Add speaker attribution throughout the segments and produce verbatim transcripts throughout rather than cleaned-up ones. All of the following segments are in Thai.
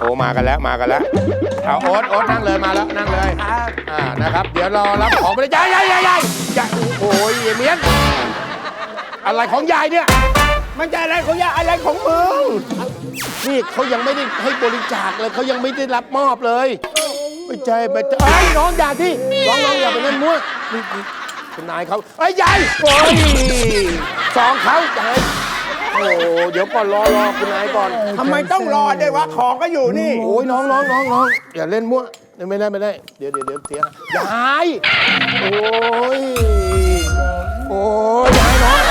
Speaker 1: อ้มากันแล้วมากันแล้วเอาโอ๊ตโอ๊ตนั่งเลยมาแล้วนั่งเลยอ่านะครับเดี๋ยวรอรับของไปเลยยายยายยายยายโอ้ยเมียนอะไรของยายเนี่ยมันจะอะไรของยายอะไรของมึงนี่เขายังไม่ได้ให้บริจาคเลยเขายังไม่ได้รับมอบเลยไม่ใช่ไม่ใช่ไอ้น้องอย่าที่น้องน้องอย่าไปเล่นมั่วคุณนายเขาไอ้ยายโอ้ยสองเขายายโอ้เดี๋ยวก่อนรอรอคุณนายก่อน
Speaker 2: ทำไมต้องรอด้วยวะของก็อยู่นี่
Speaker 1: โอ้ยน้องน้องน้องน้องอย่าเล่นมั่วไม่ได้ไม่ได้เดี๋ยวเดี๋ยวเดี๋ยวเสียยายโอ้ยโอ้ยยายน้อง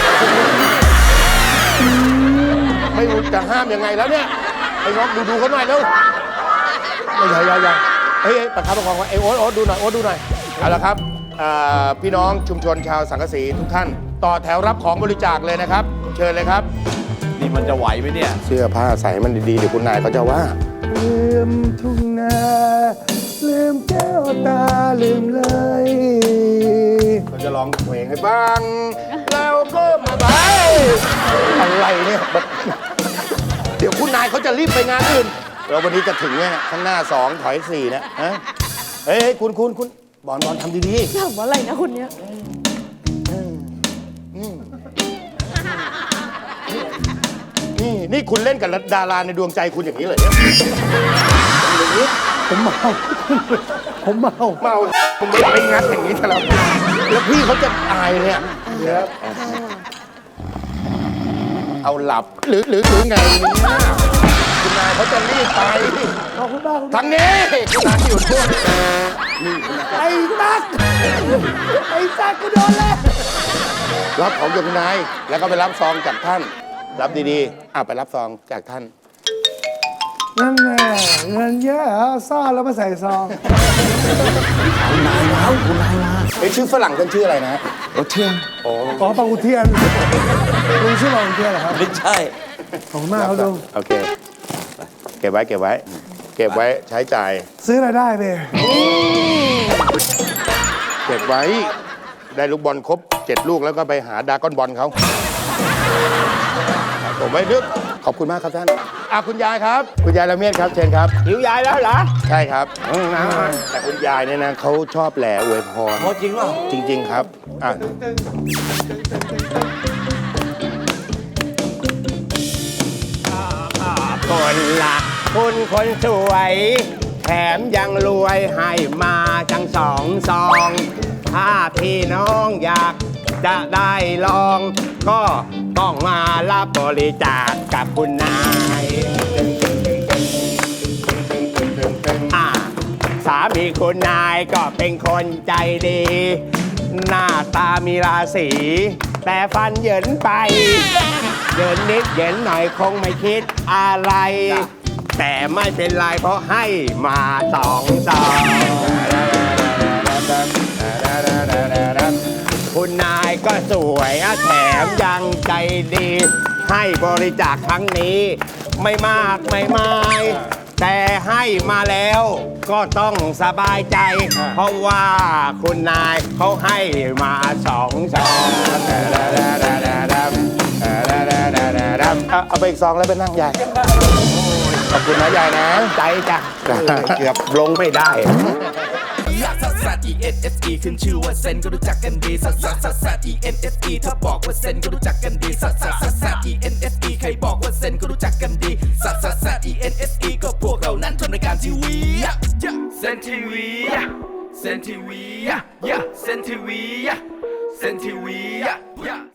Speaker 1: ไม่รู้จะห้ามยังไงแล้วเนี่ยไอ้น้องดูดูเขาหน่อยเร็วไม่ใช่ยายยายเฮ้ยประคับประคองไว้ไอ้โอ๊ตโอ๊ตดูหน่อยโอ๊ตดูหน่อยเอาละครับพี่น้องชุมชนชาวสังกะสีทุกท่านต่อแถวรับของบริจาคเลยนะครับเชิญเลยครับ
Speaker 3: นี่มันจะไหวไหมเนี่ย
Speaker 1: เสื้อผ้าใส่มันดีๆเดี๋ยวคุณนายเขาจะว่าลืมทุ่งนาลืมแก้วตาลืมเลยเขาจะร้องเพลงให้ฟังแล้วก็มาไปอะไรเนี่ยเดี๋ยวคุณนายเขาจะรีบไปงานอื่นเราวันนี้จะถึงเนี่ยข้างหน้าสองถอยสี่นะฮะเฮ้ยคุณคุณคุณบอลบอลทำดีๆ
Speaker 4: ถามว่าอะไรนะคุณเนี้ย
Speaker 1: นี่นี่คุณเล่นกับดาราในดวงใจคุณอย่างนี้เลยเนี่ยอย่างนี้
Speaker 2: ผมเมาผมเมา
Speaker 1: เมาผมไม่ไปงัดอย่างนี้ซะแล้วแล้วพี่เขาจะตายเนี่ยเอาหลับหรือหรือหรือไงคุณนายเขาจะรีบไป
Speaker 2: ขอบคุณมาก
Speaker 1: ทางนี้คุณนายอยู่ช่วงนี่
Speaker 2: ไอ้ตั๊กไอ้ตั๊กกูโดนแล้ว
Speaker 1: รับของจากคุณนายแล้วก็ไปรับซองจากท่านรับดีๆอ่ะไปรับซองจากท่าน
Speaker 2: นั่นแหละเงินเยอะซ่อนแล้วมาใส่ซอง
Speaker 3: คุณนายแล้วคุณนายมา
Speaker 1: ไอ้ชื่อฝรั่งกันชื่ออะไรนะ
Speaker 3: โอเทียน
Speaker 1: โอ้
Speaker 2: อ๋อปากุเทียนลุงชื่อปากุเทียนเหรอครับ
Speaker 3: ไม่ใช่
Speaker 2: ขอบคุณมากครับลุง
Speaker 1: โอเคเก็บไว้เก็บไว้เก็บไว้ใช้จ่าย
Speaker 2: ซื้ออะไรได้ไป
Speaker 1: เก็บไว้ได้ลูกบอลครบเจ็ดลูกแล้วก็ไปหาดาก้อนบอลเขาผมไม่นึกขอบคุณมากครับท่านอ่ะคุณยายครับคุณยายละเมียดครับเชิญครับ
Speaker 2: หิวยายแล้วเหรอ
Speaker 1: ใช่ครับแต่คุณยายเนี่ยนะเขาชอบแหล่อวยพร
Speaker 3: จริงเหรอ
Speaker 1: จริงๆครับอ่ะ
Speaker 2: คนละคุณคนสวยแถมยังรวยให้มาจังสองซองถ้าพี่น้องอยากจะได้ลองก็ต้องมารับบริจาคกับคุณนายสามีคุณนายก็เป็นคนใจดีหน้าตามีราศีแต่ฟันเหยินไปเดินนิดเหยินหน่อยคงไม่คิดอะไรแต่ไม่เป็นไรเพราะให้มาสองซองคุณนายก็สวยแถมยังใจดีให้บริจาคครั้งนี้ไม่มากไม่มายแต่ให้มาแล้วก็ต้องสบายใจเพราะว่าคุณนายเขาให้มาสองซอง
Speaker 1: เอาไปอีกซองแล้วไปนั่งยายขอบคุณนะยายนะ
Speaker 2: ใจจ้ะเกือบลงไม่ได้
Speaker 5: ซัสซัส E N S E ขึ้นชื่อว่าเซนก็รู้จักกันดีซัสซัสซัสซัส E N S E ถ้าบอกว่าเซนก็รู้จักกันดีซัสซัสซัสซัส E N S E ใครบอกว่าเซนก็รู้จักกันดีซัสซัสซัส E N S E ก็พวกเรานั้นทำรายการทีวีเซนทีวีเซนทีวีเซนทีวีเซนทีวี